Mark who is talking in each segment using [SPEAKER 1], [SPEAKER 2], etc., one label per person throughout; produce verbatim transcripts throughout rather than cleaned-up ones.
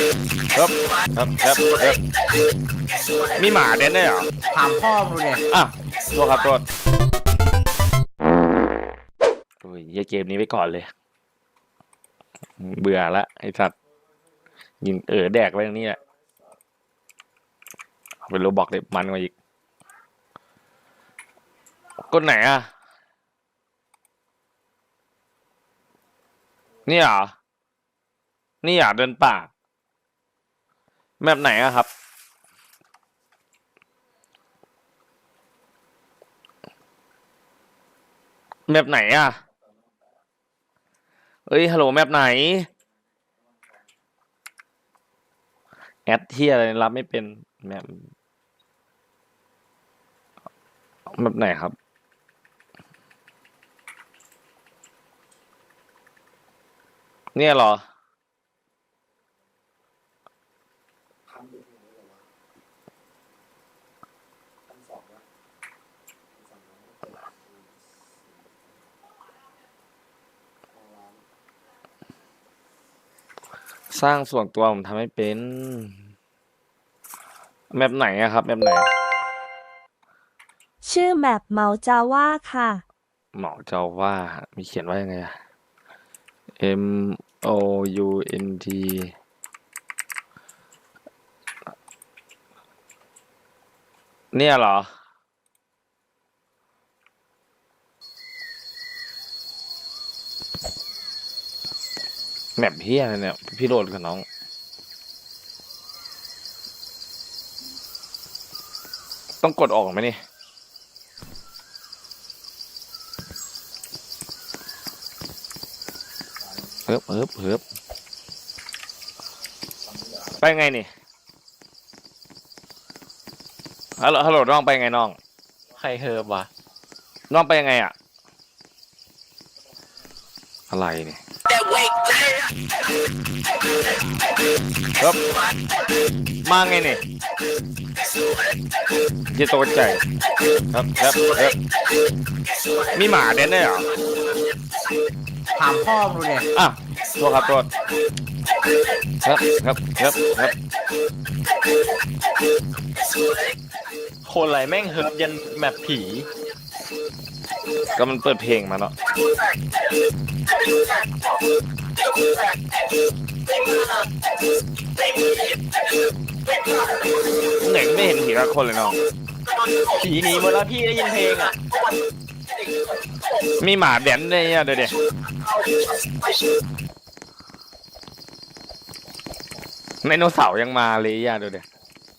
[SPEAKER 1] ครับครับครับครับมีหมาเด่นได้เหรอ
[SPEAKER 2] ถามพ่อมึงเนี่ย
[SPEAKER 1] อ่ะตัวครับตัวโอ้ยยเกมนี้ไว้ก่อนเลยเบื่อละไอ้สัตว์ยิงเออแดกไว้ตรงนี้แหละเป็นโรบอกเลยมันกว่าอีกกดไหนอ่ะนี่เหรอนี่อยากเดินป่าแมปไหนอะครับแมปไหนอะเอ้ยฮัลโหลแมปไหนแอดที่อะไรรับไม่เป็นแมปแมปไหนครับเนี่ยเหรอสร้างส่วนตัวผมทำให้เป็นแมปไหนอะครับแมปไหน
[SPEAKER 3] ชื่อแมปเมาจาว่าค่ะ
[SPEAKER 1] หมอเจ้าว่ามีเขียนว่ายังไงอะ M O U N T เนี่ยเหรอแมปเฮียอะไรเนี่ยพี่โดดกับน้องต้องกดออกไหมนี่เฮิบเฮิบเฮิบไปไงนี่ฮัลโหลฮัลโหลน้องไปไงน้อง
[SPEAKER 4] ใครเฮิร์บวะ
[SPEAKER 1] น้องไปยังไงอะอะไรเนี่ยครับมาไงเนี่ยจะตกใจครับครับครับมีหมาเด่นได้เหรอ
[SPEAKER 2] ถามพ่อมึงเนี่ย
[SPEAKER 1] อ่ะตัวครับตัวครับครับครับครับ
[SPEAKER 4] คนไรแม่งเฮิร์บยันแมปผี
[SPEAKER 1] ก็มันเปิดเพลงมาเนาะเหน่งไม่เห็นผีละคนเลยน้อง
[SPEAKER 4] ผีหนีหมดแล้วพี่ได้ยินเพลงอ่ะ
[SPEAKER 1] มีหมาแดนได้เนี่ยเดี๋ยวเดี๋ยวไดโนเสาร์ยังมาเลยอ่ะเดี๋ยวเดี๋ยว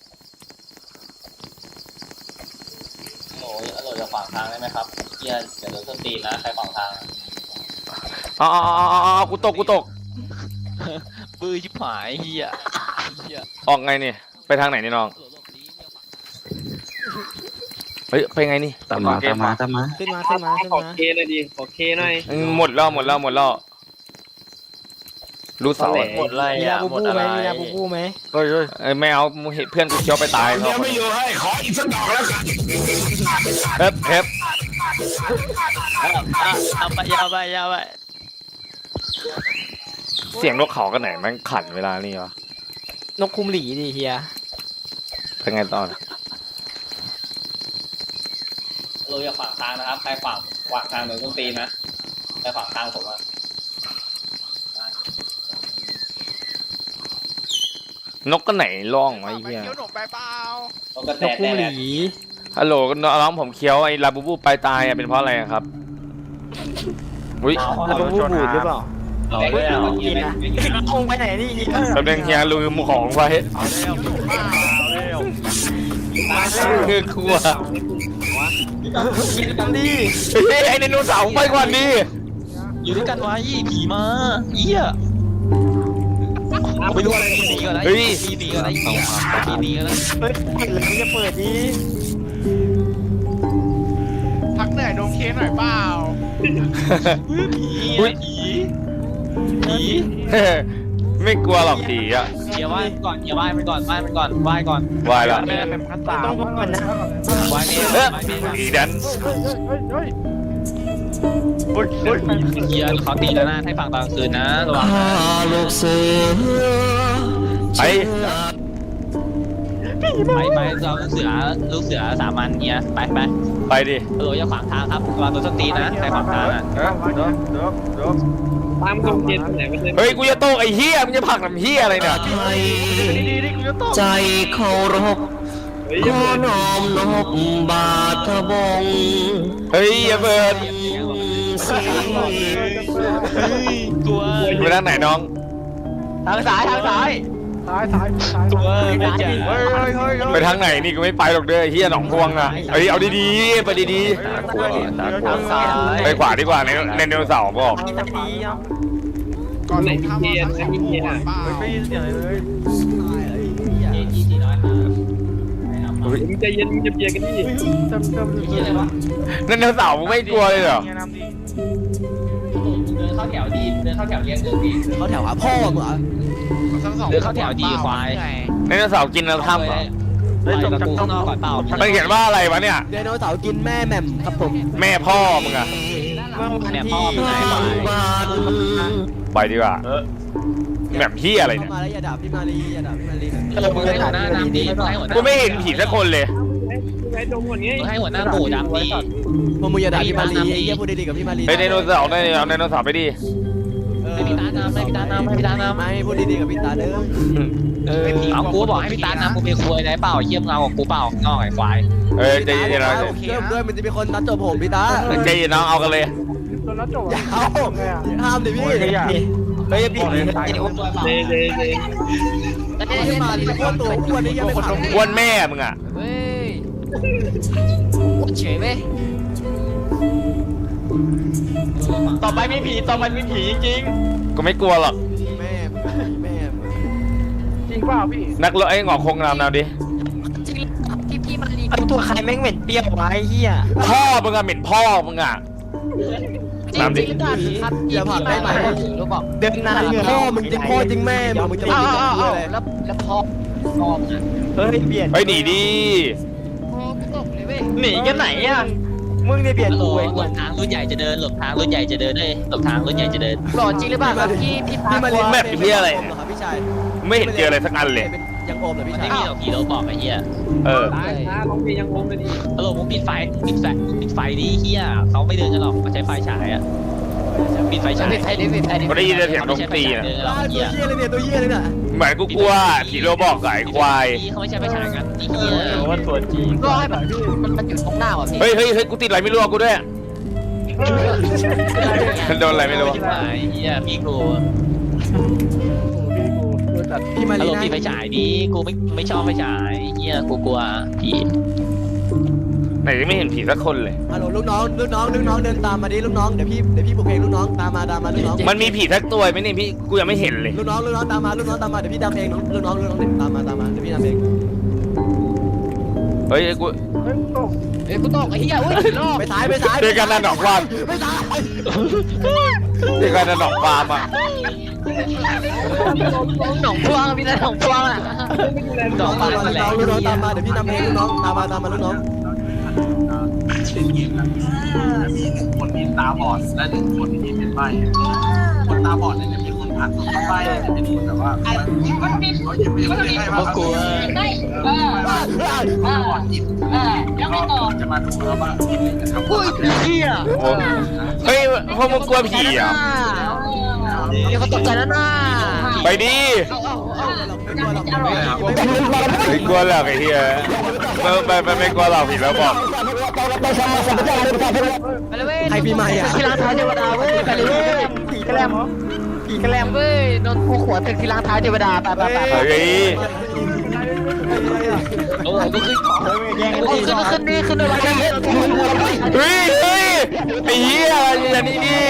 [SPEAKER 4] โอ้ยอร่อยจะขวางทางได้ไหมครับเฮียเดี๋ยวโดนส้นตีนนะใครขวางทาง
[SPEAKER 1] อ๋ออ๋ออ๋อกูตกกูตก
[SPEAKER 4] ปื้อชิบหายเฮีย
[SPEAKER 1] ออกไงนี่ไปทางไหนนี่น้องเฮ้ยไปไงนี่
[SPEAKER 5] ตามมาตามมาตามมา
[SPEAKER 4] ขึ้นมาขึ้นมาขึ้นมา
[SPEAKER 2] ขอเคหน่อยดิขอเคหน่อย
[SPEAKER 1] หมดแล้วหมดแล้วหมดแล้วรู้สาว
[SPEAKER 4] หมดอะไรอ่ะหมดอะไรมียาบูบูไหม
[SPEAKER 1] เฮ้ยเฮ้ยไม่เอาเพื่อนกูเคี้ยวไปตาย
[SPEAKER 5] เขาไม่อยู่ให้ขออีกสักดอกแล้วกัน
[SPEAKER 1] เฮ็บเฮ็บ
[SPEAKER 4] เอาไปยาวไปยาวไป
[SPEAKER 1] เสียงนกเขากันไหนมันขันเวลานี่วะ
[SPEAKER 4] นกคุมหลีดิเฮีย
[SPEAKER 1] เป็นไงตอน
[SPEAKER 4] เราอย่าขวางทางนะครับใครขวางขวางทางโดนส้นตีนนะใครขวางทางผมอะ
[SPEAKER 1] นกก็ไหนร้องไอ้เหี้ย
[SPEAKER 4] นกกระแตคุมหลี
[SPEAKER 1] ฮัลโหลน้องผมเคี้ยวไอ้ลาบูบูไปตายเป็นเพราะอะไรครับอุ้ย
[SPEAKER 4] ลาบูบูบูดหรือเปล่าเอาไปเอากินนะเอาไปไหนนี่
[SPEAKER 1] ตำแหน่งเฮียลืมของไว้คือกลัว
[SPEAKER 4] กินกันดิ
[SPEAKER 1] ไอ้ไดโนเสาร์ไปก่อนดิ
[SPEAKER 4] อยู่ด้วยกันไว้ผีมาเหี้ยไม่รู้อะไรผีก่อนนะผีหนีก่อนนะผีหนีก่อนนะเฮ้ยเปิดเลยจะเปิดดิ
[SPEAKER 6] พักเหนื่อยโดนเคหน่อยเปล่า
[SPEAKER 4] ผีผีผี
[SPEAKER 1] ไม่กลัวหรอกผีอ่ะ
[SPEAKER 4] อย่าไหว้ก่อนอย่าไหว้มันก่อนไหว้มันก่อนไหว้ก่อน
[SPEAKER 1] ไหว้ละ
[SPEAKER 4] ต้องพูดก่อนนะไหว้เมย์ไหว้เมย์
[SPEAKER 1] ผีดัน
[SPEAKER 4] เฮ้ยเฮ้ยเฮียเขาตีแล้วนะให้ฟังตอนคืนนะระวัง
[SPEAKER 1] อไป
[SPEAKER 4] ไปไปเราลูกเสือลูกเสือสามัญเนี่ยไปไป
[SPEAKER 1] ไปดิ
[SPEAKER 4] ฮัลโหลอย่าขวางทางครับวางตัวสตีนะใครขวางทางอ่ะ
[SPEAKER 2] ตามกองเกณฑ์ไหนไม่ใช่
[SPEAKER 1] เฮ้ยกูจะโต้ไอ้เฮียมึงจะผลักน้ำเฮียอะไรเนี่ย
[SPEAKER 5] ใจเคารพขอน้อมนบบาทบง
[SPEAKER 1] เฮ้ยอย่าเบิร์ด
[SPEAKER 5] สี
[SPEAKER 4] กลัว
[SPEAKER 1] ไปทางไหนน้อง
[SPEAKER 4] ทางซ้ายทางซ้ายกลัวไม่เจอ
[SPEAKER 1] ไปทางไหนนี่กูไม่ไปหรอกเด้อเฮียหนองพวงอ่ะเฮ้ยเอาดีๆไปดี
[SPEAKER 4] ทางซ้าย
[SPEAKER 1] ๆไปขวาดีกว่าในในไดโนเสาร์บอก
[SPEAKER 6] ก่อนลงถ้ำเราต้องดูก่อนเปล่า
[SPEAKER 4] เอจีจีน้อยมา
[SPEAKER 1] เฮ้ย
[SPEAKER 2] มึงใจเย็นมึงจะเบียร์กันดิ
[SPEAKER 4] เฮียอะไรวะ
[SPEAKER 1] ไดโนเสาร์มึงไม่กลัวเลยเหรอ
[SPEAKER 4] เดินเข้าแถวดีเดินเข้าแถวเรียงเดินดี
[SPEAKER 7] เขาแถวหาพ่อมึงเหรอ
[SPEAKER 6] ทั้งสอง
[SPEAKER 4] เดินเข้าแถวดีควาย
[SPEAKER 1] ไดโนเสาร์กินแล้วถ้ำเหรอ
[SPEAKER 4] ไปกับกูข้างนอกก่อนเปล่า
[SPEAKER 1] มันเขียนว่าอะไรวะเนี่ย
[SPEAKER 7] ไดโนเสาร์กินแม่แหม่มครับผม
[SPEAKER 1] แม่พ่อมึงอะ
[SPEAKER 4] แม่พ่อมึงไหนควาย
[SPEAKER 5] บาท
[SPEAKER 1] ไปดีกว่าแบบเฮียอะไรเนี่ย
[SPEAKER 7] เข้ามาแล้วอย่าด่าพี่มารีอย่าด่าพี่มารี
[SPEAKER 4] เออมึงให้หัวหน้าน้ำดีมึงให้หัวหน้า
[SPEAKER 1] กูไม่เห็นผีสักคนเลย
[SPEAKER 2] ไอ้ดงคนนี้
[SPEAKER 4] มึงให้หัวหน้าหมูดำดี
[SPEAKER 7] พวกมึงอย่าด่าพี่มารีไอ้เหี้ยพูดดีๆกับพี่มารี
[SPEAKER 1] ไอ้ไดโนเสาร์ไดโนเสาร์ไดโนเสาร์ไปดิ
[SPEAKER 4] ให้พี่ตาน้ำให้พี่ตาน้ำให้พี่ตาน้ำ
[SPEAKER 7] ไม่พูดดีๆกับพี่ตาเด้อ
[SPEAKER 4] เออเอากูบอกให้พี่ตาน้ำกูเป็นควยได้เปล่าเยี่ยมเงาของกูเปล่านอกไอ้ควาย
[SPEAKER 1] เออใจเย็นๆนะ
[SPEAKER 7] เริ่มด้วยมันจะมีคนนัดจบผมพี่ตา
[SPEAKER 1] ใจเย็นน้องเอากันเลย
[SPEAKER 7] อย่าเอาห้ามดิพี่
[SPEAKER 5] เฮ้ยพี่
[SPEAKER 2] เดเดเด
[SPEAKER 7] พี่มารีโคตรตัวอ้วนนี่ยังไม่ผ่าน
[SPEAKER 1] อ้วนแม่มึงอะ
[SPEAKER 4] เว้ยเฉยเว้ยต่อไปไม่ผีต่อไปไม่ผีจริง
[SPEAKER 1] ก็ไม่กลัวหรอก
[SPEAKER 7] แม่แม่
[SPEAKER 1] นักเลาะไอ้หงอกคงนำนำดิ
[SPEAKER 4] พี่พี่มารี
[SPEAKER 5] ไอตัวใครแม่งเหม็นเปรี้ยววะไอ้เหี้ย
[SPEAKER 1] พ่อมึงอะเหม็นพ่อมึงอะนำดิ
[SPEAKER 7] อย่าผ่านได้ไหม
[SPEAKER 4] รู้บอก
[SPEAKER 5] เดินนาน
[SPEAKER 7] พ่อมึงจริงพ่อจริงแม่มึงมึงจะมา
[SPEAKER 4] อ้าว
[SPEAKER 7] พูด
[SPEAKER 4] อ้าว
[SPEAKER 7] อะไร
[SPEAKER 4] แล้วแล้วพ่อพ่อมึงอ่ะ
[SPEAKER 5] เฮ้ยเบียด
[SPEAKER 1] เฮ้ยหนีดิ
[SPEAKER 4] พ่อกูตกเลยเว้ย
[SPEAKER 5] หนีกันไหนอ่ะมึงเนี่ยเบียด
[SPEAKER 4] หล
[SPEAKER 5] กู
[SPEAKER 4] บ
[SPEAKER 5] เอง
[SPEAKER 4] หลบทางรุ่นใหญ่จะเดินหลบทางรุ่นใหญ่จะเดินเลยหลบทางรุ่นใหญ่จะเดินหล่อจริงหรือเปล่าครับพี่พี่
[SPEAKER 7] พี่มารี
[SPEAKER 1] แบบเฮียอะไร
[SPEAKER 7] ครับพี่ชาย
[SPEAKER 1] ไม่เห็นเจออะไรสักอันเลย
[SPEAKER 7] ยังโอมเลยพี่
[SPEAKER 4] ไม่
[SPEAKER 7] ชาย
[SPEAKER 4] มีหรอกผีเราบอกไอ้เหี้ย
[SPEAKER 1] เออ
[SPEAKER 2] ตายนะลองเพลงยังงงเลยดิ
[SPEAKER 4] ฮัลโหลมึงปิดไฟปิดไฟปิดไฟดิเหี้ยเขาไม่เดินกันหรอกเขาใช้ไฟฉายอ่ะปิดไฟฉายปิดไฟดิปิดไฟดิ
[SPEAKER 1] ก็ได้ยินเสียงดนตรีนะ
[SPEAKER 4] เดินกันหรอก
[SPEAKER 7] ตัว
[SPEAKER 4] เหี้ย
[SPEAKER 7] เหี้ยเลยเนี่ยตัวเหี้ยเลยน่ะ
[SPEAKER 1] เหมือนกูกลัวผีโรบอกกับไอ้ควาย
[SPEAKER 4] เขาไม่ใช่ไฟฉายกันไอ้เหี้ย
[SPEAKER 5] ว่าตัวจริง
[SPEAKER 4] ก็ให้แบบมันมันอยู่ตรงหน้าว่ะพี่
[SPEAKER 1] เฮ้ยเฮ้ยเฮ้ยกูติดอะไรไม่รู้อะกูด้วยโดนอะไรไม่รู้
[SPEAKER 4] ชิบหายเหี้ยพี่กู
[SPEAKER 7] พี่มา
[SPEAKER 4] ฮัล
[SPEAKER 7] รี
[SPEAKER 4] โหล
[SPEAKER 7] นะ
[SPEAKER 4] ปิดไฟฉายดิกูไม่ไม่ชอบไฟฉายเหี้ยกูกลัวผี
[SPEAKER 1] ไหนไม่เห็นผีสักคนเลย
[SPEAKER 7] ฮัลโหลลูกน้องลูกน้องลูกน้องเดินตามมาดิลูกน้องเดี๋ยวพี่เดี๋ยวพี่ปลุกเพลงลูกน้องตามมาตามมาลูกน้อง
[SPEAKER 1] มันมีผีสักตัวไหมเนี่ยพี่กูยังไม่เห็นเลย
[SPEAKER 7] ลูกน้องลูกน้องตามมาลูกน้องตามมาเดี๋ยวพี่ดำเองลูกน้องลูกน้องตามมาตามมาเดี๋ยวพี่ดำเอง
[SPEAKER 1] เฮ้ยกู
[SPEAKER 4] เอ้ยกูตกไอ้เหี้ยอุ้ยรอบ
[SPEAKER 7] ไปซ้ายไปซ้าย
[SPEAKER 1] เจอกันนะดอกวาน
[SPEAKER 7] ไปซ้าย
[SPEAKER 1] เจอกันนะดอกฟาร์มอ่ะ
[SPEAKER 4] หนองพวงพี่นะหนองพวงอ่ะดอกบาน
[SPEAKER 7] ลู
[SPEAKER 4] มา
[SPEAKER 7] ก
[SPEAKER 4] แล้
[SPEAKER 7] น้อง
[SPEAKER 4] ว
[SPEAKER 7] ลูกน้องตามมาเดี๋ยวพี่ดำเองลูกน้องตามมาตามมาลูกน้อง
[SPEAKER 8] คนที่ตาบอดและหนึ่งคนที่เป็นใบ้คนตาบอดเนี่ยจะมีคนผ่านตัวใบ้จะเป็นคนแบบว่าเขายังไม่ได้ให้ว่าเขา
[SPEAKER 9] เออเออ
[SPEAKER 8] บอดจิต
[SPEAKER 9] เออแล้วไงต่อ
[SPEAKER 8] จะมาดูแล้วว่าจะทำ
[SPEAKER 9] อุ้ยเฮีย
[SPEAKER 1] โอ้เฮ้ยพวกมึงกลัวผีเหรอ่ะ
[SPEAKER 9] เดี๋ยวเขาตกใจแล้วนะ
[SPEAKER 1] ไปดิ
[SPEAKER 7] ไม่กลัวหรอก
[SPEAKER 1] ไม่กลัวหรอกไอ้เหี้ยไม่ไม่ไม่ไม่กลัวหรอกผีแล้วบอก
[SPEAKER 9] ไปเลยเว้ย
[SPEAKER 7] ใครพี่ใหม่อ่ะ
[SPEAKER 9] ที่ล้างเท้าเทวดาเว้ยไปเลยเว้ยผีกระแลมผีกระแลมเว้ยโดนผูกหัวถึงที่ล้างเท้าเทวดาไปไปไป
[SPEAKER 1] เฮ้ย
[SPEAKER 4] โอ้ก็ขึ้น
[SPEAKER 9] โอ้ขึ้นขึ้นนี่ขึ้นอะไรนี่
[SPEAKER 1] เฮ้ยเฮ้ยไอ้เหี้ยอย่างนี้ดิ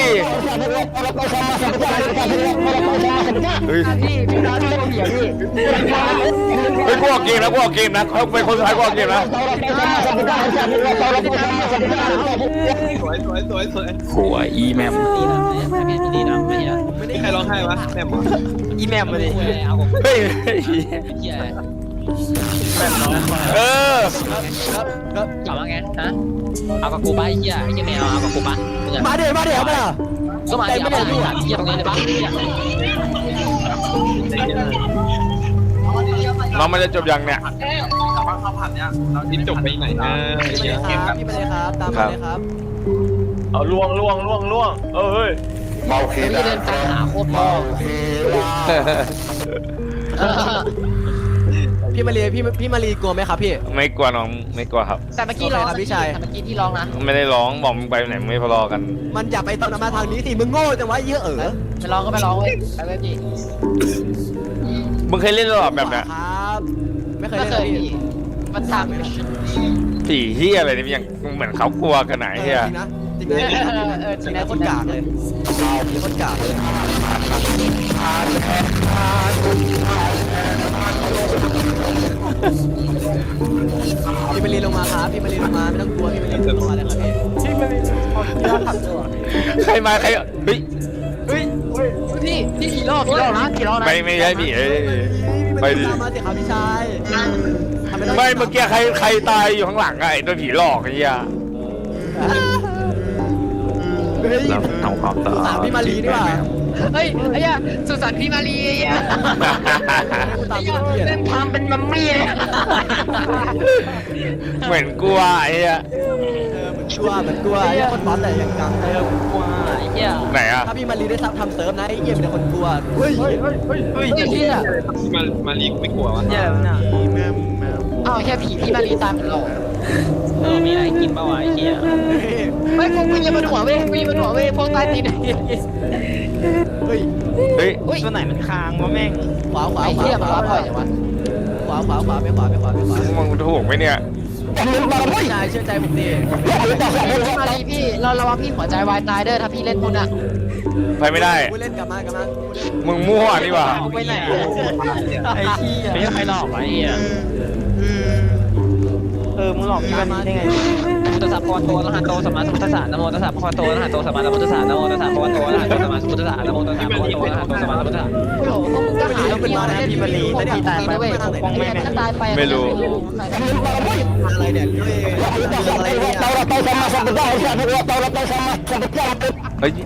[SPEAKER 1] เฮ้ย
[SPEAKER 9] พี่พี่ร้านที่เผียพี่
[SPEAKER 1] เฮ้ยกูออกเกมแล้วกูออกเกมนะเขาเป็นคนสุดท้ายกูออกเกมนะ
[SPEAKER 2] สวยสวยสวยสวย
[SPEAKER 1] หัวอีแมม
[SPEAKER 4] ดีนะพี่ดีนะไม่เหี้ย
[SPEAKER 2] ไม่ได้ใครร้องไห้วะแม่หมอ
[SPEAKER 4] อีแมมมาดิเอาของ
[SPEAKER 1] เฮ้ย
[SPEAKER 4] เหี้ย
[SPEAKER 1] เออ
[SPEAKER 4] กลับมาไงฮะเอากับกูไปเหี้ยไอ้เหี้ยไม่เอาเอากับกูปะ
[SPEAKER 7] มาเดี๋ยวมาเดี๋ยวมา
[SPEAKER 4] ก็มาเดี๋ยวมาเหี้ยตรงนี้เลยปะ
[SPEAKER 1] น้องมันจะจบยังเนี่ย
[SPEAKER 8] แต่ว่าข้าวผัดเนี้ยเรา
[SPEAKER 2] นี่จบไปไหนนะ
[SPEAKER 7] พี่มาเลยครับพี่มาเลยครับตามมาเลยครับ
[SPEAKER 2] เอาล่วงล่วงล่วงล่วงเอ้ย
[SPEAKER 5] เมาคี
[SPEAKER 4] พี่เดินตามหาโคตรพ่อ
[SPEAKER 7] พี่มารีพี่พี่มารีกลัวไหมครับพี่
[SPEAKER 1] ไม่กลัวน้องไม่กลัวครับ
[SPEAKER 4] แต่เมื่อกี้ร้อง
[SPEAKER 7] โอเคครับพี่ชาย
[SPEAKER 4] แต่เมื่อกี้ที่ร้องนะ
[SPEAKER 1] ไม่ได้ร้องบอกมึงไปไหนไม่พอรอกัน
[SPEAKER 7] มันอย่าไปตอนมาทางนี้สิมึงโง่จังวะเยอะเออ
[SPEAKER 4] ไปร้องก็ไปร้องเว้ยไปเลยพี่
[SPEAKER 1] มึงเคยเล่นหรอแบบเนี้ย
[SPEAKER 7] ครับไม่เคย
[SPEAKER 4] ไม่
[SPEAKER 7] เล่น
[SPEAKER 4] เค
[SPEAKER 7] เลย ย
[SPEAKER 4] พี่
[SPEAKER 7] พี่
[SPEAKER 4] มันตามไม่
[SPEAKER 1] ผีเฮียอะไรนี่ยังเหมือนเขากลัวกันไหน
[SPEAKER 7] เออ
[SPEAKER 1] เฮีย
[SPEAKER 7] จริงนะจริงนะเออจริงนะคนกากเลยคนกากเลยพี่มารีลงมาครับพี่มารีลงมาไม่ต้องกลัวพี่มารีลงมาเลยครับพี่
[SPEAKER 1] ใครมาใครเฮ้ย
[SPEAKER 4] พี่พี่ขี่รอบขี่รอบนะขี่รอบนะ
[SPEAKER 1] ไม่ไม่ใช่ผีเอ้ยไป
[SPEAKER 7] ไป
[SPEAKER 1] ดิ
[SPEAKER 7] ดิตามมาสิครับพี่ชายทำต้อง
[SPEAKER 1] ไม่เมื่อกี้ใครใครตายอยู่ข้างหลังอะไอ้ตัวผีหลอกไอ้เหี้ย
[SPEAKER 7] เฮ้ย
[SPEAKER 5] ทำความสะ
[SPEAKER 7] สา
[SPEAKER 5] อาด
[SPEAKER 7] มพี่มารีนี่หว่า
[SPEAKER 4] เฮ้ยไอ้เหี้ยสุสานพี่มารีไอ้เหี้ย
[SPEAKER 7] กูตา
[SPEAKER 4] ไอ้
[SPEAKER 7] ม
[SPEAKER 4] เหี้
[SPEAKER 7] พี่
[SPEAKER 4] ย
[SPEAKER 7] มารี
[SPEAKER 4] เล่นทำเป็นมัมมี่เลย
[SPEAKER 1] เหมือนกลัวไอ้เหี้ย
[SPEAKER 7] เออเหมือนกลัวเหมือนกลัวไอ้คนบอสแต่ยังกัง
[SPEAKER 4] เออกูกลัวไอ้เหี้ย
[SPEAKER 1] ไหนอะ
[SPEAKER 7] ถ้าพี่มารีได้ทำทำเซิร์ฟนะไอ้เหี้ยเป็นคนกลัวเฮ้ย
[SPEAKER 4] เฮ้ยไอ้เหี้ย
[SPEAKER 2] มามาลีกไม่กลัววะ
[SPEAKER 4] อ้าวแค่ผีพี่มารีตามเป็นหลอกเออมีอะไรกินเปล่าวะไอ้เหี้ยไม่กูกูยังมันหัวเว้ยกูยังมันหัวเว้ยพวกใต้ตีน
[SPEAKER 7] เฮ้ย
[SPEAKER 1] เฮ้ย
[SPEAKER 4] อุ้ยตัวไหนมันค้างวะแม่ง
[SPEAKER 7] ขวาขวา
[SPEAKER 4] ไอ้
[SPEAKER 7] ขวา
[SPEAKER 4] เหี้ย
[SPEAKER 7] ข
[SPEAKER 4] มัน
[SPEAKER 7] วา
[SPEAKER 4] รับ
[SPEAKER 7] ข
[SPEAKER 4] ปล่
[SPEAKER 7] วา
[SPEAKER 4] อยอย่างวะ
[SPEAKER 7] ขวาขวาขวาไปขวาไปขวาไปขวา
[SPEAKER 1] มึงถูกไหมเนี่ย
[SPEAKER 7] พี่ชายเชื่อใจผมดิ
[SPEAKER 4] พี่มารีพี่เราระวังพี่หัวใจวายตายเด้อถ้าพี่เล่นพุ่นอ่ะ
[SPEAKER 1] ไปไม่ได้
[SPEAKER 7] กูเล่นกลับมากลับมา
[SPEAKER 1] มึงมั่วนี่หว่า
[SPEAKER 4] ไปไหนไอ้เหี้ยไม่ใช่ใครหลอกไอ้เหี้ย
[SPEAKER 9] เออมึงหลอกพี่มันได้ไง
[SPEAKER 4] พุทธศาสนาโตนะฮะโตสมมาสมุทธศาสนาโมตัสสะพะคะวะโตนะฮะโตสมมาสมุทธศาสนาโมตัสสะพะคะวะโตนะฮะโตสมมาสมุทธศาสนาโมตัสสะพะคะวะโตนะฮะโตสมมาสมุทธศาสนาโอ้โหพวกมึงก็หาเรื่องนะพี่มารีแต่พี่ตายไปปกป้องแม่แม่ตายไป
[SPEAKER 1] ไม่รู้
[SPEAKER 7] อะไรเนี่ยเฮ้ยอะไรเนี่ย
[SPEAKER 1] เฮ้ย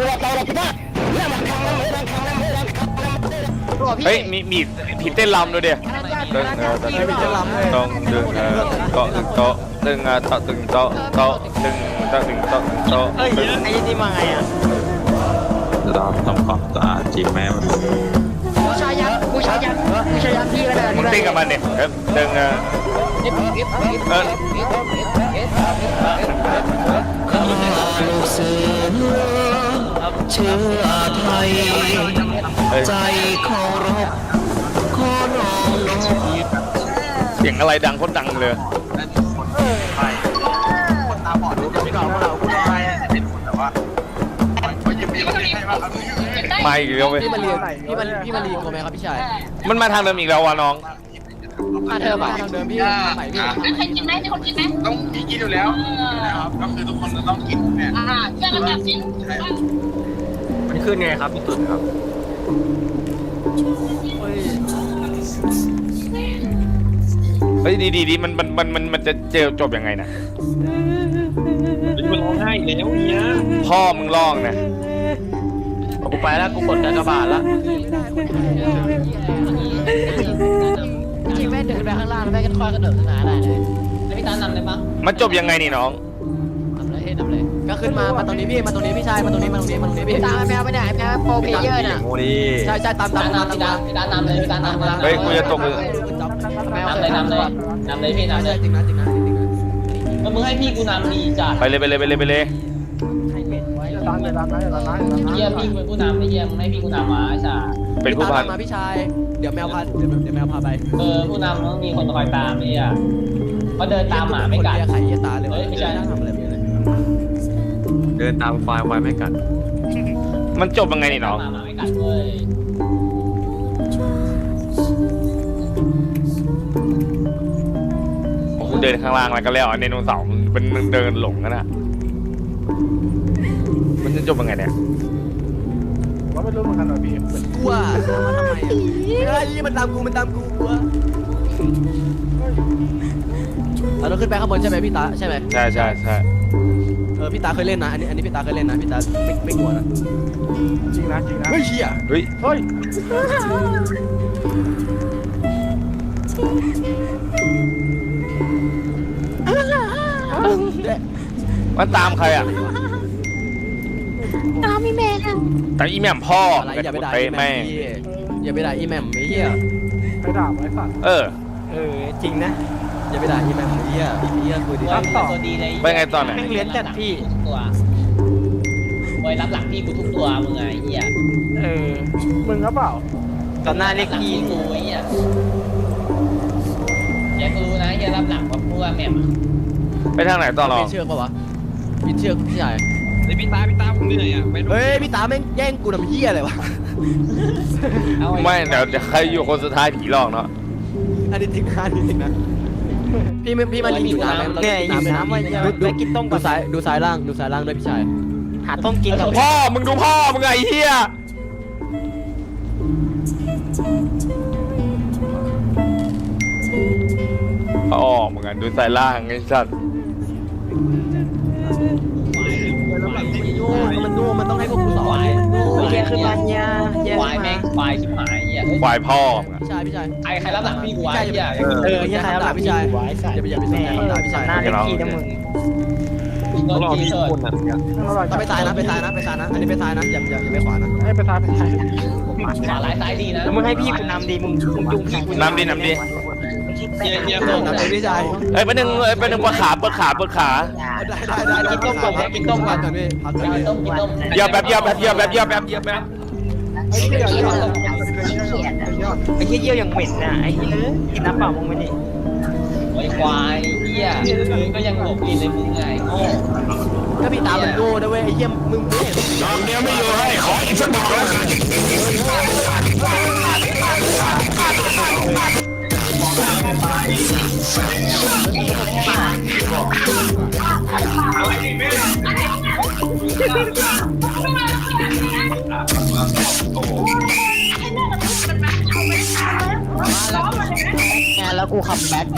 [SPEAKER 1] เฮ้ยมีมีผีเต้นรำด้วยเดียตึงเออตึงต้องดึงเออโต๊ะตึงโต๊ะตึงเออโต๊ะตึงโต๊ะโต๊ะตึงโต๊ะตึงโต๊ะตึงโต๊ะ
[SPEAKER 9] เอ้ยไอ้นี่มาไงอ่ะ
[SPEAKER 5] เราทำความสะอาดจริงไหม
[SPEAKER 4] บูชายันบูชายันบูชายันพี่ก็ได้
[SPEAKER 1] มึงเต้นกับมันเนี่ยเออตึงเออ
[SPEAKER 4] เอฟเอฟเอฟเอฟเอฟเอฟ
[SPEAKER 5] ลูกเสือเชื้อไทย
[SPEAKER 1] เฮ้ย
[SPEAKER 5] ใจเคารพขอน้อมน้อม
[SPEAKER 1] เสียงอะไรดังโคตรดังเลย
[SPEAKER 8] ได้หนึ่งคนไปคนตาบอดจะไม่เราเราพูดไปเป็นคนแต่ว่าเขายิ้มยิ้มให้ว่าเขา
[SPEAKER 1] มาอีกแล้วเว้ย
[SPEAKER 7] พี่มารีพี่มาพี่มารีกลัวไหมครับพี่ชาย
[SPEAKER 1] มันมาทางเดิมอีกแล้ววะน้อง
[SPEAKER 4] มาเธอ
[SPEAKER 7] มา
[SPEAKER 4] มา
[SPEAKER 7] ทางเดิมพี่ใหม่พี่
[SPEAKER 10] ใครกินไหมมีคนกินไหม
[SPEAKER 8] ต้องมีกินอยู่แล้วนะครับก็คือทุกคนจะต้องกินเนี่ย
[SPEAKER 10] อ่าเชื่อกันจับสิน
[SPEAKER 2] มันขึ้นไงครับพี่ตุ่นครับ
[SPEAKER 1] เฮ้ยดีดีดีมันมันมันมันมันจะเจอจบยังไงนะ
[SPEAKER 2] มันร้องไห้แล้วเนี่ย
[SPEAKER 1] พ่อมึงร้องนะ
[SPEAKER 2] กูไปแล้วกูกดกระบาดแล้ว
[SPEAKER 4] จริงแม่เดินไปข้างล่างแล้วแม่ก็ค่อยกระโดดขึ้นมาได้เลยแล้วพี่ตานำเลยปะ
[SPEAKER 1] มันจบยังไงนี่น้อง
[SPEAKER 4] นำเลยนำเลย
[SPEAKER 7] ก็ขึ้นมามาตรงนี้พี่มาตรงนี้พี่ชายมาตรงนี้มาตรงนี้มาตรงนี้พี่
[SPEAKER 4] พี่ตามแมวไปไหนแมวโปรเพเยอร์น่ะ
[SPEAKER 2] โมดี
[SPEAKER 7] ใช่ใช่ตามตามตาม
[SPEAKER 4] พี่
[SPEAKER 7] ตา
[SPEAKER 4] ตาม
[SPEAKER 7] ม
[SPEAKER 4] พี่ตามนำเลยพี่ตามนำเลย
[SPEAKER 1] เฮ้ยกูจะตกเลย
[SPEAKER 4] นำเลยนำเลยนำเลยพี่นำเลย
[SPEAKER 7] จริงนะจริงนะจริงนะ
[SPEAKER 4] แล้วมึงให้พี่กูนำดีจัด
[SPEAKER 1] ไปเลยไปเลยไปเลยไปเลย
[SPEAKER 4] เยี่ยมพี่กูเป็นผู้นำไม่เยี่ยมให้พี่กูนำมาจ้า
[SPEAKER 1] เป็นผู้พัน
[SPEAKER 7] มาพี่ชายเดี๋ยวแมวพาเดี๋ยวเดี๋ยวแมวพาไป
[SPEAKER 4] เออผู้นำต้องมีคนคอยตามนี่อ่ะเขาเดินตามหมาไม่กัด
[SPEAKER 7] ไข่เยี่ยตาเลย
[SPEAKER 4] เฮ้ยไม่ใช่
[SPEAKER 7] นั่งทำอะไรไม่ได้
[SPEAKER 2] เดินตามควายควายไม่กัด
[SPEAKER 1] มันจบยังไงนี่น้อง
[SPEAKER 4] หมาไม่กัดเลย
[SPEAKER 1] โอ้โหเดินข้างล่างแล้วก็แล้วไดโนเสาร์มันเป็นมันเดินหลงกันอะมันจะจบยังไงเนี่ย
[SPEAKER 7] กลัวมาทำไมอ่ะไม่ได้ยี่มันตามกูมันตามกูกลัวเราต้องขึ้นไปข้างบนใช่ไหมพี่ตาใช่ไหม
[SPEAKER 1] ใช่ใช่ใช่
[SPEAKER 7] เออพี่ตาเคยเล่นนะอันนี้อันนี้พี่ตาเคยเล่นนะพี่ตาไม่ไม่กลัวนะจริงนะจริงนะเฮ้ยเชี่ย
[SPEAKER 1] เฮ้ย
[SPEAKER 7] เฮ้ย
[SPEAKER 1] มันตามใครอ่ะ
[SPEAKER 10] ตามพี่เมย์ค่ะ
[SPEAKER 1] แต่อีแหม่มพ่อ
[SPEAKER 7] อะไรอย่าไปด่า
[SPEAKER 1] เป๊ะ
[SPEAKER 7] อีแหม่
[SPEAKER 1] แม่
[SPEAKER 7] มพี่อย่าไปด่าอีแหม่มไอ้เหี้ย
[SPEAKER 2] ไปด่าไว้สัตว์
[SPEAKER 1] เออ
[SPEAKER 7] เออจริงนะอย่าไปด่าอีแหม่มไอ้เหี้ยไอ้เหี้ยคือดี
[SPEAKER 4] รับต่อตัวดีเลย
[SPEAKER 1] ไปไงตอนไหน
[SPEAKER 4] แม่งเลี้ยนแต่พี่ทุกตัวไว้รับหลังพี่กูทุกตัวมึงไงเหี้ย
[SPEAKER 2] เออมึงก็เปล่า
[SPEAKER 4] ตอนหน้าเรียกพี่กูไอ้เหี้ยแกกูรู้นะเหี้ยรับหลังว่าพวกแม่ม
[SPEAKER 1] ไปทางไหนต่อรอ
[SPEAKER 7] พี่เชือกปะวะพี่เชือกพี่ชาย
[SPEAKER 6] ไอพี่ตาพี่ตาผมเหนื่อยอ่ะไป
[SPEAKER 7] เฮ้ยพี่ตาแม่งแย่งกูทำเหี้ยอะไรวะ
[SPEAKER 1] ไม่เดี๋ยวเดี๋ยวใครอยู่คนสุดท้ายผีหลอกเนาะ
[SPEAKER 7] อันนี้จริงนะอันนี้จริงนะพี่ไม่พี่มันอยู่น้ำไหม
[SPEAKER 4] เนี่ยอยู่น้ำไว้เหี้ย
[SPEAKER 7] ดูดู
[SPEAKER 4] ไปกินต้ม
[SPEAKER 7] ดูซ้ายดูซ้ายล่างดูซ้ายล่างด้วยพี่ชาย
[SPEAKER 4] หาต้มกินกับ
[SPEAKER 1] พ่อมึงดูพ่อมึงไงไอ้เฮียพ่อมึงอ่ะดูสายล่างไอ้สัตว์
[SPEAKER 7] มันนู่มันต้องให้พวกกูสอน
[SPEAKER 4] แกคือมันเนี่ยควายแม่งควายชิบหายเหี้ย
[SPEAKER 1] ควายพ่อมึงอ่ะ
[SPEAKER 7] พี่ชายพี่ชาย
[SPEAKER 4] ไอ้ใครรับหลังพี่กูไว้เหี้ย
[SPEAKER 7] เออพี่ชายพี่ชายอย่าไปอย่าไปสนใจด่าพี่ชาย
[SPEAKER 4] หน้าเล็กพี่นะมึงโดนพี่เสิร์ฟ
[SPEAKER 7] ต้องไปซ้ายนะไปซ้ายนะไปซ้ายนะอันนี้ไปซ้ายนะอย่าอย่าอย่าไปขวานะ
[SPEAKER 2] ให้ไปซ้ายไปซ้าย
[SPEAKER 4] ขวาหลายซ้ายดีนะแล้วมึงให้พี่กูนำดีมึงมึงจูงพี่กู
[SPEAKER 1] น้ำดีน้ำดี
[SPEAKER 6] เฮียเฮีย
[SPEAKER 7] เอ
[SPEAKER 6] ส่
[SPEAKER 7] อง น้ำเลยพี่ชาย
[SPEAKER 1] เอ้ยไปหนึ่งเอ้ยไปหนึ่งปวดขาปวดขาปวดขา
[SPEAKER 7] ได้ได้ได้กินต้มก่อนกินต้มก่อนพี่พักก่อน
[SPEAKER 4] กินต้มกินต้ม
[SPEAKER 1] เหยียบแบบเหยียบแบบเหยียบแบบเหยียบแบบเหยียบแบบ
[SPEAKER 2] ไอ้เหี้ยยอดยอด
[SPEAKER 4] ไอ้เหี้ยเยี่ยวยังเหม็นน่ะไอ้เหี้ยกินน้ำเปล่ามึงไม่ดิไอ้ควายเหี้ยก็ยังหลบกินเลยมึงไงโง่
[SPEAKER 7] ก็พี่ตามันโง่นะเว้ยไอ้เหี้ยมึงไม่เห็น
[SPEAKER 1] น้องเนี้ยไม่อยู่ให้ขออีกสักหน่อย
[SPEAKER 9] งานแล้วกูขับแบ็ค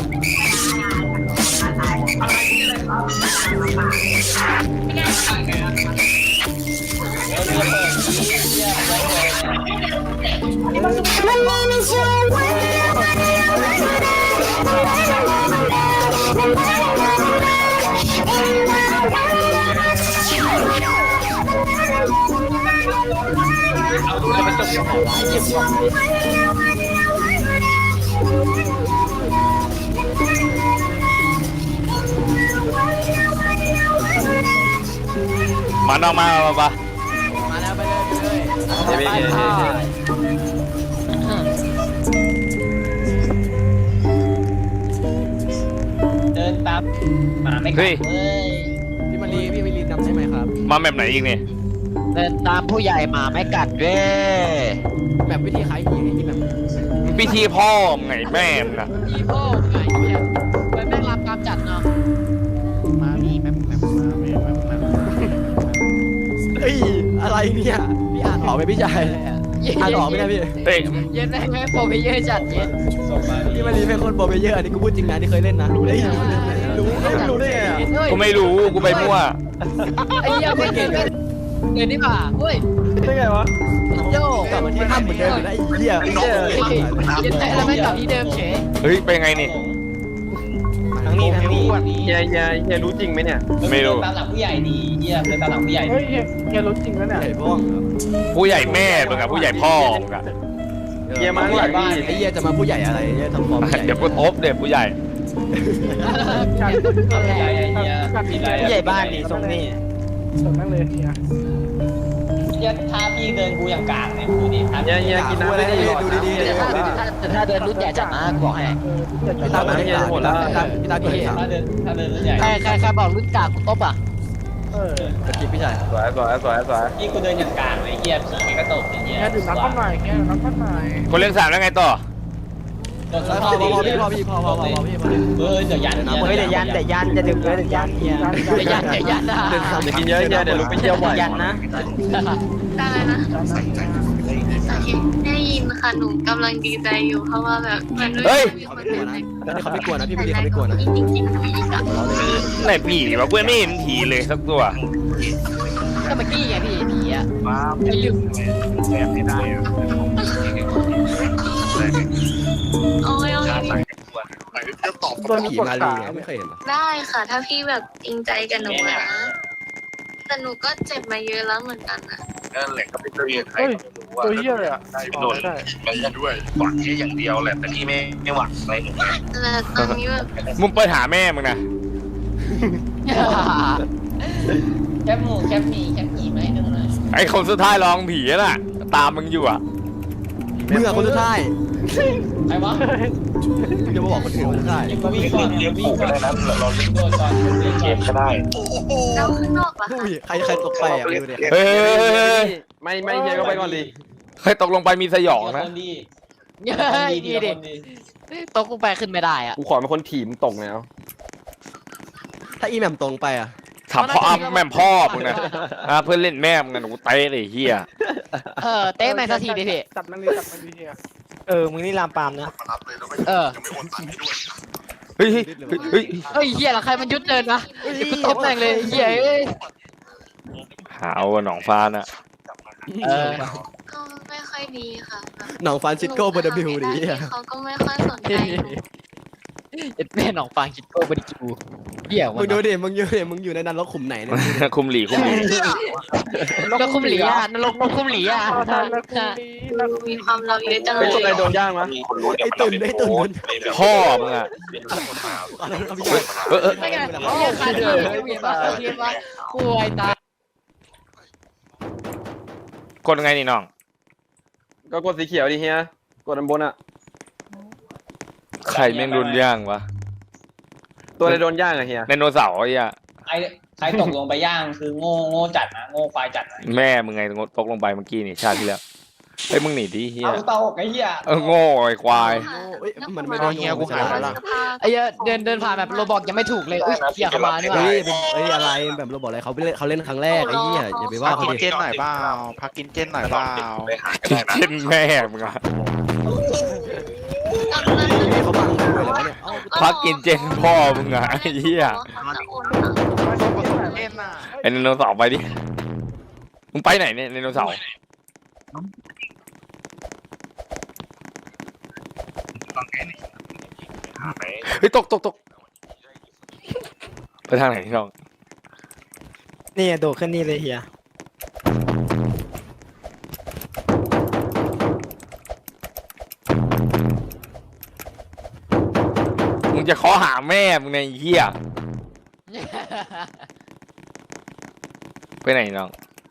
[SPEAKER 1] มาน้องมาปะปะ
[SPEAKER 7] มาแล้วไปเลยไปเลย
[SPEAKER 1] เดี๋ยวพี่
[SPEAKER 4] เดินตามหมาไม่กัดเว้ย
[SPEAKER 7] พี่มารีพี่มารีจำได้ไหมครับ
[SPEAKER 1] มาแบบไหนอีกเนี่ย
[SPEAKER 9] เดินตามผู้ใหญ่หมาไม่กัดเว้ย
[SPEAKER 7] แบบวิธีขายหีไอ้ที่แบบ
[SPEAKER 1] พิธีพ่อมึงไงแม่มึงอะ
[SPEAKER 9] อีโก้ไงเนี่ยไปแม่งรับตามจัดเนาะมามีแม่แม่มาแม่แม่แม่
[SPEAKER 7] เฮ้ยอะไรเนี่ยพี่อ่านออกไหมพี่ชายอ่านออกไหมเนี่ยพี่
[SPEAKER 1] เอ้ย
[SPEAKER 9] เย็นแม่งแม่โปรเพเยอร์จัดเย็น
[SPEAKER 4] ส่งมา
[SPEAKER 7] พี่มารีเป็นคนโปรเพลเยอร์อันนี้กูพูดจริงนะที่เคยเล่นนะรู้ได้ไงรู้รู้ได้ไงอ่ะ
[SPEAKER 1] กูไม่รู้กูไปมั่ว
[SPEAKER 9] ไอ้เหี้ยไม่เก่งเลยเดินนี่ป่ะเฮ้ย
[SPEAKER 2] ได้ไงวะ
[SPEAKER 9] โย่
[SPEAKER 7] กลับมาที่ถ้ำเหมือนเดิมอยู่นะไอ้เหี้ย
[SPEAKER 9] เย็นแม่แล้วไม่กลับที่เดิมเฉย
[SPEAKER 1] เฮ้ยเป็นไงนี่
[SPEAKER 4] ทั้งนี้ทั้งนี้
[SPEAKER 6] เฮียเฮียเฮียรู้จริงไหมเนี่ย
[SPEAKER 1] ไม่รู้
[SPEAKER 4] เดินตามหลังผู้ใหญ่ดีเหี้ยเดินตามหลังผู้ใหญ่
[SPEAKER 2] เฮ้ยเฮียรู้จริงแล้วเนี่ย
[SPEAKER 7] ใหญ่บ้อง
[SPEAKER 1] ผู้ใหญ่แม่มึงอะผู้ใหญ่พ่อมึงอะ
[SPEAKER 6] เฮียมาข้างหลังพี่
[SPEAKER 7] ไอ้เหี้ยจะมาผู้ใหญ่อะไรเหี้ยทำฟอร์มใหญ่
[SPEAKER 1] เดี๋ยวกูทบเด็กผู้ใหญ่
[SPEAKER 4] ผู้ใหญ่เหี้ยผู้ใหญ่บ้านดีตรงนี้
[SPEAKER 2] ส่งนั่งเลยเฮีย
[SPEAKER 4] เหี้ยถ้าพี่เดินกูอย่างกลางเนี่ยดูดิถ้า
[SPEAKER 6] เฮียเฮียกินน้ำ
[SPEAKER 7] อะไร
[SPEAKER 6] ไม่ได้
[SPEAKER 7] ดี
[SPEAKER 6] หรอก
[SPEAKER 7] ดูดีๆ
[SPEAKER 9] แต่
[SPEAKER 7] ดู
[SPEAKER 9] ถ้า
[SPEAKER 7] ดี
[SPEAKER 9] แต่ถ้าเดินรุ่นใหญ่จัดนะบอกให้
[SPEAKER 7] พี่ตาเกิดหมดแล้วพี่ตาเกิดสาม
[SPEAKER 4] ถ้าเดินถ้าเดินรุ่นใหญ่
[SPEAKER 9] ใครใครใครบอกรุ่นกากกูตบอ่ะ
[SPEAKER 2] เออ
[SPEAKER 7] ตะกี้พี่ชาย
[SPEAKER 6] สวยสวยสวยสวย
[SPEAKER 4] พี่กูเดินอย่างกลางเลยเหี้ยผีก็ตกอย่างเงี้ย
[SPEAKER 2] แค่ดื่มน้ำข้าวหน่อยแค่ดื่มน้ำข้าวหน่อย
[SPEAKER 1] คนเลี้ยงสามแล้วไงต่อ
[SPEAKER 7] พอพอพอพี่พอพี่พอพอพอพอพี่พอพี่
[SPEAKER 4] เออเดี๋ยวยัน
[SPEAKER 9] เฮ้ยเดี๋ยวยันเดี๋ยวยันจะดื่มเลยเดี๋ยวยันเฮียเดี๋ยวยันเดี๋ยวยันนะ
[SPEAKER 6] อย่ากินเยอะเฮียเดี๋ยวลุกไปเที่ยวบ่อย
[SPEAKER 9] ยันนะ
[SPEAKER 10] อะไรนะโอเคได้ยินค่ะหนูกำลังดีใจอยู่เพราะว่าแบบมันไม่มีคนเห็น
[SPEAKER 7] เขาไม่กลัวนะพี่ไม่ดีเขาไม่กลัวนะ
[SPEAKER 10] จริงจริงๆอีกอ่ะ
[SPEAKER 1] ไหนผีวะกูไม่เห็นผีเลยสักตัว
[SPEAKER 9] ก็เมื่อกี้ไงพี่ผีอ่ะไอ้ลืม
[SPEAKER 10] โอ้ยโอ้ย
[SPEAKER 8] จะตอบ
[SPEAKER 7] ผีมาลีไงไม่เคยเห็นเหรอ
[SPEAKER 10] ได้ค่ะ ถ้าพี่แบบจริงใจกับหนูอะนะแต่หนูก็เจ็บมาเยอะแล้วเหมือนกันนะ
[SPEAKER 8] นั่นแหละก็เป็นตัวเองใครตัวเหี้ยเลยอ่ะได้โดนมันด้วยหวังแค่อย่างเดียวแหละแต่พี่ไม่ไม่หวังอะไรหนู
[SPEAKER 10] แต่ตอนนี้แบบ
[SPEAKER 1] มึงไปหาแม่มึงนะ
[SPEAKER 4] แคบหมูแคบหมีแคบหมีไหมนึงเลย
[SPEAKER 1] ไอ้คนสุดท้ายร้องผีน่ะตามมึงอยู่อ่ะ
[SPEAKER 7] มึงอะคนสุดท้าย
[SPEAKER 4] ใครวะ
[SPEAKER 7] จะมาบอกคนอื่นคนสุดท้าย
[SPEAKER 4] กูวิ่งก่อน
[SPEAKER 8] เลี้ยงผูกก็ได้นะเราเลี้ยง
[SPEAKER 4] โดนก่อน
[SPEAKER 8] เกมก็ได้
[SPEAKER 10] เราข้างนอกเหรอ
[SPEAKER 7] อุ้ย
[SPEAKER 10] คะ
[SPEAKER 7] ใครใครตกไปอ่ะไม่รู้เนี่ย
[SPEAKER 1] เฮ้ย
[SPEAKER 2] ไม่ไม่เฮียก็ไปก่อนดิ
[SPEAKER 1] ใครตกลงไปมีสยองนะ
[SPEAKER 4] คนดี
[SPEAKER 9] เฮ้ยดีดิตกลงไปขึ้นไม่ได้อ่ะ
[SPEAKER 2] กูขอเป็นคนถีมตกแล้ว
[SPEAKER 7] ถ้าอีแหม่มตรงไปอ่ะ
[SPEAKER 1] ถามพ่ออ้ำแม่มพ่อมึงนะอ่ะเพื่อนเล่นแม่มึงนะหนูเตะเลยเฮีย
[SPEAKER 9] เออเต้แมนสักทีดิพี่
[SPEAKER 2] จับมันดิจับมันดิเฮีย
[SPEAKER 4] เออมึงนี่ลามปามนะ
[SPEAKER 8] มารับเลยแล้วก็
[SPEAKER 9] เออ
[SPEAKER 8] ยังไม่โอนตังค์ให้ด้วย
[SPEAKER 1] เฮ้ยเฮ้ยเฮ้ย
[SPEAKER 9] เฮ้ยเฮียละใครมันยุดเดินวะกูตบแม่งเลยเฮียเอ้ย
[SPEAKER 1] หาว่าหนองฟ้าน่ะ
[SPEAKER 9] เออ
[SPEAKER 10] ก็ไม่ค่อยดีค่ะแบบ
[SPEAKER 7] หนองฟรานซิสโกเบอร์ดบิวดีอ่ะ
[SPEAKER 10] เขาก็ไม่ค่อยสนใจหนู
[SPEAKER 9] เอ็ดแม่หนองฟางคิดโก้บริจูเหี้ยวะ
[SPEAKER 7] มึงดูดิมึงอยู่ดิมึงอยู่ในนั้นรกขุมไหนเนี่ย
[SPEAKER 1] คุมหลีคุมหลี
[SPEAKER 9] นกคุ้มหลีอ่ะนรกนกคุ้มหลีอ่ะ
[SPEAKER 10] มีความลับเยอะจังเล
[SPEAKER 2] เป็น
[SPEAKER 10] ย
[SPEAKER 2] ตัวใครโดนย่างวะ
[SPEAKER 8] มีคนรู้
[SPEAKER 7] ไอ้ตุ่นไอ้ตุ่น
[SPEAKER 1] พ่อมึงอ่ะ
[SPEAKER 8] เป็นคนมา
[SPEAKER 7] เอาพี่ชาย
[SPEAKER 1] เออเออ
[SPEAKER 9] ไม่ไงเฮียขาดเลยเฮียมาเฮียมาป่วยตาย
[SPEAKER 1] กดไงนี่น้อง
[SPEAKER 2] ก็กดสีเขียวดิเฮียกดอันบนอ่ะ
[SPEAKER 1] ใครแม่งโดนย่างวะ
[SPEAKER 2] ตัวอะไรโดนย่างอะเฮีย
[SPEAKER 1] ไดโนเสาร์ไอ้เหี้ย
[SPEAKER 4] ใครใครตกลงไปย่างคือโง่โง่จัดนะโง่ควายจัดนะ
[SPEAKER 1] แม่มึงไงตกลงไปเมื่อกี้นี่ชาติที่แล้วเฮ้ยมึงหนีดิเฮีย
[SPEAKER 4] เอาเตาไอ้เหี้ย
[SPEAKER 1] เออโง่ไอ้ควาย
[SPEAKER 7] เอ้ยมันไม่โดนเฮียกูหายไปละ
[SPEAKER 9] ไอ้เหี้ยเดินเดินผ่านแบบโรบอกยังไม่ถูกเลยอุ้ยเฮียเข้ามานี่หว่า
[SPEAKER 7] เฮ้ยเป็นเฮ้ยอะไรแบบเราบอกอะไรเขาเล่นเขาเล่นครั้งแรกไอ้เหี้ยอย่าไปว่าเขาดิ
[SPEAKER 8] เจนหน่อยเปล่าพักกินเจนหน่อยเปล่าไปหาก็ได้นะ
[SPEAKER 1] เช่นแม่มึงอะ
[SPEAKER 7] ให้เขาบังด้วยเหรอวะเนี่ย
[SPEAKER 1] พักกินเจนพ่อมึงอะไอ้เหี้ยไอ้ไดโนเสาร์ไปดิมึงไปไหนเนี่ยไดโนเสาร์เฮ้ยตกตกตกไปทางไหนที่น้อง
[SPEAKER 4] นี่โดดขึ้นนี่เลยเฮีย
[SPEAKER 1] มึงจะขอหาแม่มึงในเหี้ยไปไหนน้อง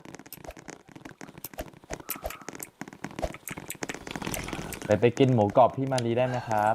[SPEAKER 11] ไปไปกินหมูกรอบพี่มารีได้ไหมครับ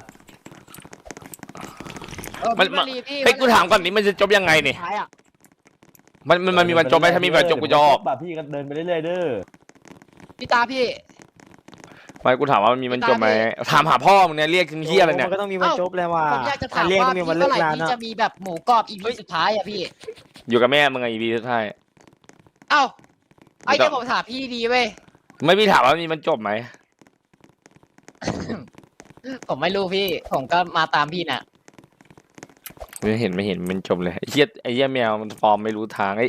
[SPEAKER 1] มันมันเฮ้ยกูถามก่อนนี้มันจะจบยังไงนี่
[SPEAKER 9] ท้ายอ่ะ
[SPEAKER 1] มันมันมันมีวันจบไหมถ้ามีวันจบกูจะออก
[SPEAKER 11] แบบพี่ก็เดินไปเรื่อยๆเด้อ
[SPEAKER 9] พี่ตาพี่
[SPEAKER 1] ไม่กูถามว่ามันมีวันจบไหมถามหาพ่อมึงเนี่ยเรียกถึงเหี้ยอะไรเนี่ย
[SPEAKER 4] มันก็ต้องมีวันจบแล้วว่า
[SPEAKER 9] ผมอยากจะถามว่าพี่เมื่อไหร่พี่จะมีแบบหมูกรอบอีพีสุดท้ายอ่ะพี่
[SPEAKER 1] อยู่กับแม่มึงไงอีพีสุดท้าย
[SPEAKER 9] เอ้าไอ้เจ้าผมถามพี่ดีเว้ย
[SPEAKER 1] ไม่พี่ถามว่ามีมันจบไหม
[SPEAKER 9] ผมไม่รู้พี่ ผมก็มาตามพี่น่ะ
[SPEAKER 1] ไม่เห็นไม่เห็นมันจบเลยไอ้เหี้ยไอ้เหี้ยแมวมันฟอร์มไม่รู้ทางไอ้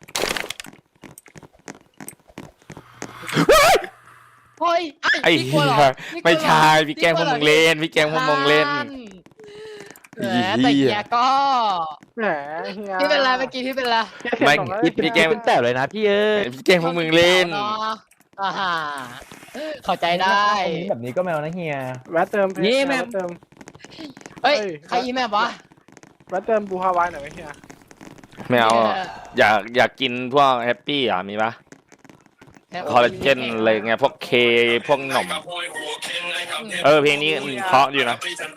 [SPEAKER 9] เฮ้ย
[SPEAKER 1] ไอ้
[SPEAKER 9] พี่กลั
[SPEAKER 1] เหี้
[SPEAKER 9] วเหรอย
[SPEAKER 1] ไม่ใช่พี่แกล้งพวกมึงเล่นพี่แกล้งพวกมึงเล่น
[SPEAKER 9] แหมแต่เฮียก็
[SPEAKER 2] แหมเฮีย
[SPEAKER 9] พี่เป็นไรเมื่อกี้พี่เป็นไร
[SPEAKER 1] ไม่พี่แกล้ง
[SPEAKER 4] เป็นแต่เลยนะพี่เอ้ย
[SPEAKER 1] พี่แกล้งพวกมึงเล่น
[SPEAKER 9] เนาะอ่าฮะเข้าใจได้
[SPEAKER 11] แบบนี้ก็แมวนะเฮีย
[SPEAKER 2] แวะเติมแวะเติม
[SPEAKER 9] เฮ้ยใครอีแม่วะ
[SPEAKER 2] แวะเติมบูฮาวายหน่อยไหมเฮีย
[SPEAKER 1] แมวอยากอยากกินพวกแฮปปี้อ่ะมีปะคอลลาเจนอะไรเงี้ยพวกเคพวกหนมเออเพลงนี้เพราะอยู่นะ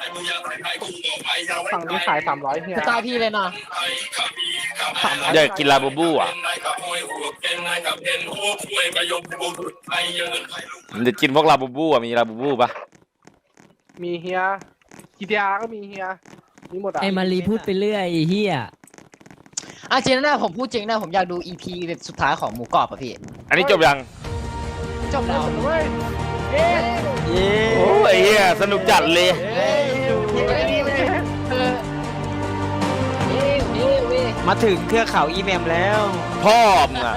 [SPEAKER 2] ฝั่งนี้ขายสามร้อยเฮีย
[SPEAKER 9] สไตล์พี่เลยเนาะ
[SPEAKER 1] อยากกินลาบูบูอ่ะมันจะกินพวกลาบูบูอ่ะมีลาบูบูปะ
[SPEAKER 2] มีเฮียกีดีอาร์ก็มีเฮียมีหมดอ่ะ
[SPEAKER 4] ไอ้มารีพูดไปเรื่อยเฮีย
[SPEAKER 9] อ่ะจริงนะผมพูดจริงนะผมอยากดู อี พี แบบสุดท้ายของหมูกรอบอ่ะพี่
[SPEAKER 1] อันนี้จบยัง
[SPEAKER 9] จบแล้ว
[SPEAKER 2] เว้ย
[SPEAKER 1] โอ้ยเฮียสนุกจัดเลย
[SPEAKER 4] มาถึงเครือเขาอีเมมแล้ว
[SPEAKER 1] พ่อมึงอ่ะ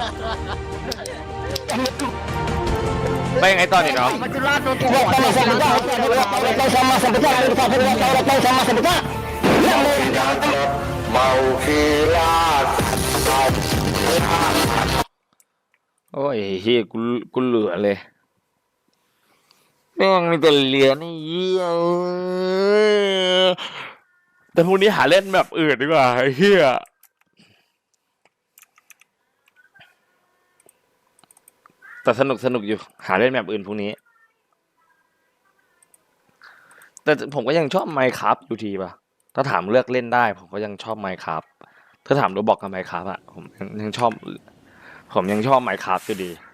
[SPEAKER 1] ไปยังไงตอนนี้เนาะ
[SPEAKER 9] มัจจุราชโดนตัวหัว
[SPEAKER 5] เมาคีลาด
[SPEAKER 1] โอ้ยเฮียกูกูเหลือเลยแม่งมีแต่เหลือนี่เหี้ยเอ้ยแต่พรุ่งนี้หาเล่นแบบอื่นดีกว่าไอ้เฮียแต่สนุกสนุกอยู่หาเล่นแบบอื่นพรุ่งนี้แต่ผมก็ยังชอบไมค์ครับอยู่ทีป่ะถ้าถามเลือกเล่นได้ผมก็ยังชอบไมค์ครับถ้าถามโรบอกกับไมค์ครับอะผมยังชอบผมยังชอบไมค์ครับอยู่ดี